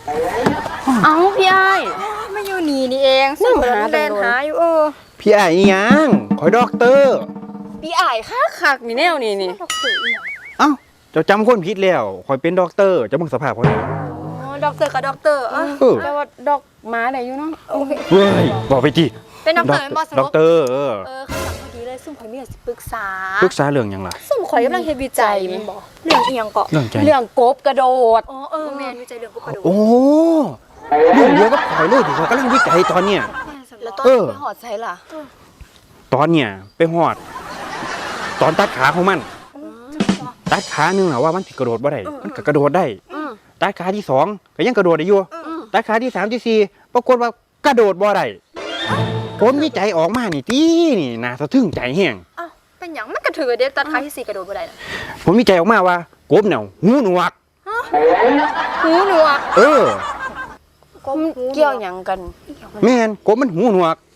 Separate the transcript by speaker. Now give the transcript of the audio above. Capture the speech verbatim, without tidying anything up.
Speaker 1: เอ้าพี่ไอ้
Speaker 2: ไม่อยู่นี่นี่เองซึ่งหาเดินหาอยู่เออ
Speaker 3: พี่ไอ้อีหยังคอยด็อกเตอร์
Speaker 1: พี่ไอ้คักคักนี่แนวนี่นี่
Speaker 3: เอ้าเจ้าจำคนผิดแล้วคอยเป็นด็อกเตอร์เจ้าเบิ่งสภาพเขาเนี่ย
Speaker 2: อ๋อด็อกเตอร์กับด็อกเตอร์อ่ะ
Speaker 3: เออ
Speaker 1: แต่ว่าดอกหมาได้อยู่เนาะ
Speaker 2: โอเค
Speaker 3: เว้ยบอกไปจี
Speaker 2: เป็นด็อกเตอร์เป็นบอส
Speaker 3: ด็อกเตอร์เออ
Speaker 2: เออเขาสั่งพอดีเลยซุ่มข่อยมีอะไรสิปรึกษา
Speaker 3: ปรึกษาเรื่องหยังล่ะ
Speaker 2: ซุ่มข่อยกำลังเฮ็ดวิจัยแมันบอกเรื่องอีหยังเกาะ
Speaker 3: เรื่องใจ
Speaker 1: เรื่องกบกระโดด
Speaker 2: อ๋อเออแม่นวิจัยเรื่องกูกระโดด
Speaker 3: โอ้เรื่องเดียวกับข่อยเลยที่ข่อยกำลังวิจัยตอนเนี้ย
Speaker 2: แล้วตอน
Speaker 3: เออ
Speaker 1: ไปหอดใส่ล่ะ
Speaker 3: ตอนเนี้ยไปหอด ตอนตัดขาของมัน ตัดขาหนึ่งนะว่ามันสิกระโดดบ่ได้มันก็กระโดดได้
Speaker 1: อืม
Speaker 3: ตัดขาที่สองก็ยังกระโดดได้อยู่
Speaker 1: อืม
Speaker 3: ตัดขาที่สามที่สี่ปรากฏว่ากระโดดบ่ได้ผลวิจัยออกมานี่ตีนี่น่าสะทึ่งใจแห้ง
Speaker 2: อ้าวเป็นหยังมันกระถือเด็กตัดขาที่สี่กระโดดบ่ได้นะ
Speaker 3: ผลวิจัยออกมาว่ากบเนี่ยหูหนวก
Speaker 2: หูหนวก
Speaker 3: เออ
Speaker 2: ก็
Speaker 1: มัน
Speaker 2: หูหนวก
Speaker 1: เกี่ยวหยังกัน
Speaker 3: แม่นกบมันหูหนวก